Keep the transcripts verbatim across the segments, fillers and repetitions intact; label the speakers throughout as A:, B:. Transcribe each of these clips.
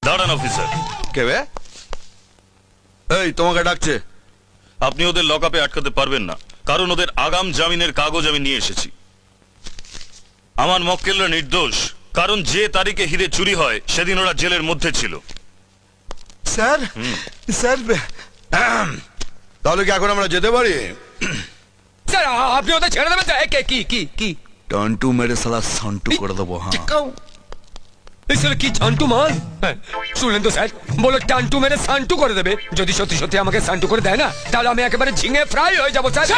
A: দাঁড়ান অফিসার।
B: কে বে? এই তোমাকে ডাকছে।
A: আপনি ওদের লকআপে আটকাতে পারবেন না, কারণ ওদের আগাম জামিনের কাগজ আমি নিয়ে এসেছি। আমার মক্কেলরা নির্দোষ, কারণ যে তারিখে হিরে চুরি হয় সেদিন ওরা জেলের মধ্যে ছিল।
B: স্যার স্যার তাহলে কি এখন আমরা যেতে পারি?
C: স্যার আপনি ওদের ছেড়ে দেবেন স্যার? কে কি কি কি
B: টন্টু মেরে সালা সন্টু করে দেবো। হ্যাঁ
C: এই স্যার কি ছান্টু মাল? হ্যাঁ, শুনলেন তো স্যার, বলো টান্টু মেরে সান্টু করে দেবে। যদি সত্যি সত্যি আমাকে সান্টু করে দেয় না, তাহলে আমি একেবারে ঝিঙে ফ্রাই হয়ে যাবো স্যার।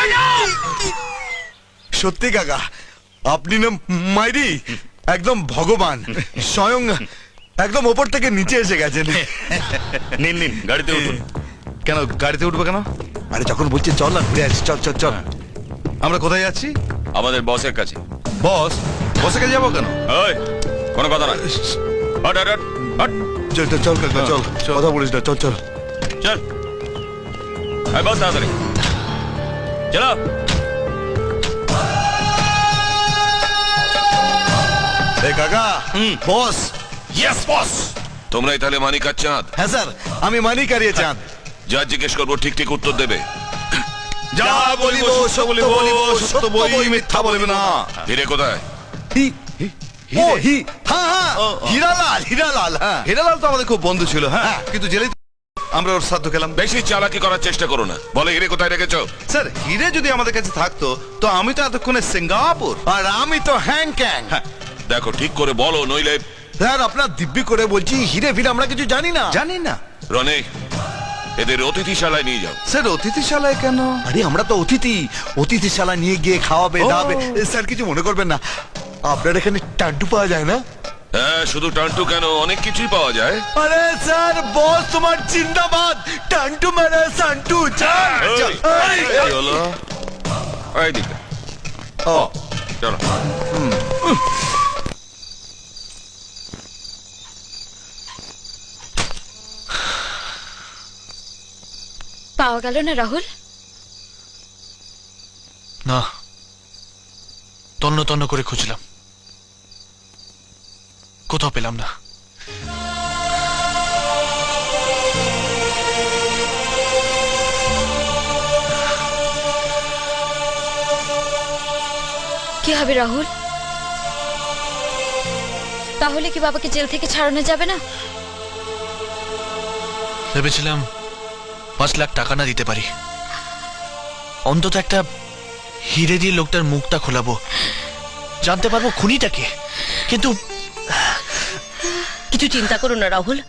B: সত্যি কাকা, আপনি না মাইরি একদম ভগবান, স্বয়ং একদম ওপর থেকে নিচে এসে গেছেন।
A: নিন নিন, গাড়িতে উঠুন।
D: কেন গাড়িতে উঠবো কেন?
B: আরে যখন বলছে চল না ঘুরে আসি, চল চল চল।
D: আমরা কোথায় যাচ্ছি?
A: আমাদের বসের কাছে।
D: বস বসে কাছে যাবো কেন?
A: ওই, কোনো কথা না। Hot hot hot hot.
B: চল চল চল কাকা চল,
D: চল।
B: কথা বলিস না, চল চল।
A: চল, এই বস তাড়াতাড়ি চলো।
B: এই কাকা, বস।
A: Yes boss.
E: তোমরাই তাহলে মানিক আর চাঁদ?
B: হ্যাঁ স্যার, আমি মানি কারিয়ে চাঁদ।
E: যা জিজ্ঞেস করবো ঠিক ঠিক উত্তর দেবে।
B: যা বলিব সত্য বলিব, সত্য বই মিথ্যা বলিব না।
E: হিরে কোথায়?
B: হি ও হি হ্যাঁ হ্যাঁ হীরালাল, হীরালাল। হ্যাঁ
D: হিরালাল তো আমাদের খুব বন্ধু ছিল। হ্যাঁ, কিন্তু জেলে আমরা ওর সাধ্য খেলাম।
E: বেশি চালাকি করার চেষ্টা করো না। বলে হিরে কোথায় রেখেছো?
D: স্যার হিরে যদি আমাদের কাছে থাকতো তো আমি তো এতক্ষণে সিঙ্গাপুর।
B: আর আমি তো হ্যাং ক্যাং।
D: হ্যাঁ,
E: দেখো ঠিক করে বলো, নইলে।
B: স্যার আপনার দিব্যি করে বলছি, হিরে ফিরে আমরা কিছু জানি না।
D: জানি না।
E: রনে, এদের অতিথিশালায় নিয়ে যাও।
D: স্যার অতিথিশালায় কেন?
B: আরে আমরা তো অতিথি, অতিথিশালা নিয়ে গিয়ে খাওয়াবে
D: ও।
B: দাবে। স্যার কিছু মনে করবেন না, আপনার এখানে টান্টু পাওয়া যায় না?
E: হ্যাঁ, শুধু টান্টু কেন, অনেক কিছুই পাওয়া যায়।
B: আরে স্যার বস তোমার জিন্দাবাদ, টান্টু মানে সান্টু। চল চল। এই,
E: কি হলো? এইদিকে
B: ও
E: চলো।
F: পাওয়া গেল না রাহুল?
G: না, তন্ন তন্ন করে খুঁজলাম, কোথাও পেলাম না।
F: কি হবে রাহুল? তাহলে কি বাবাকে জেল থেকে ছাড়ানো যাবে না?
G: ভেবেছিলাম পাঁচ লাখ টাকা না দিতে পারি, অন্তত একটা হিরে দিয়ে লোকটার মুখটা খোলাবো, জানতে পারবো খুনিটাকে। কিন্তু
H: কিছু চিন্তা করো না রাহুল,